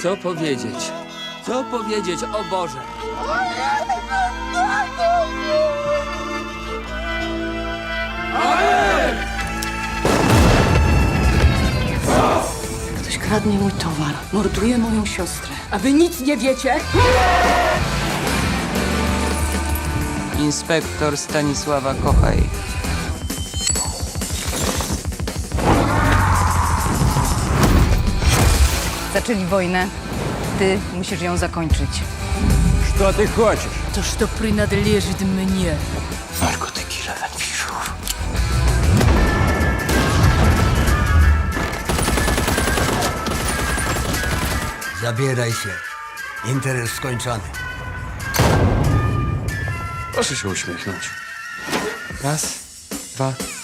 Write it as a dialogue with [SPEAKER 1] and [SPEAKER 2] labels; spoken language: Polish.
[SPEAKER 1] Co powiedzieć? Co powiedzieć, o Boże?
[SPEAKER 2] Ktoś kradnie mój towar, morduje moją siostrę.
[SPEAKER 3] A wy nic nie wiecie?
[SPEAKER 4] Inspektor Stanisława Kochaj.
[SPEAKER 2] Zaczęli wojnę. Ty musisz ją zakończyć.
[SPEAKER 5] Что ты хочешь?
[SPEAKER 3] To, что принадлежит мне.
[SPEAKER 4] Narkotyki Lewenwiszów.
[SPEAKER 6] Zabieraj się. Interes skończony.
[SPEAKER 1] Proszę się uśmiechnąć. Raz, dwa,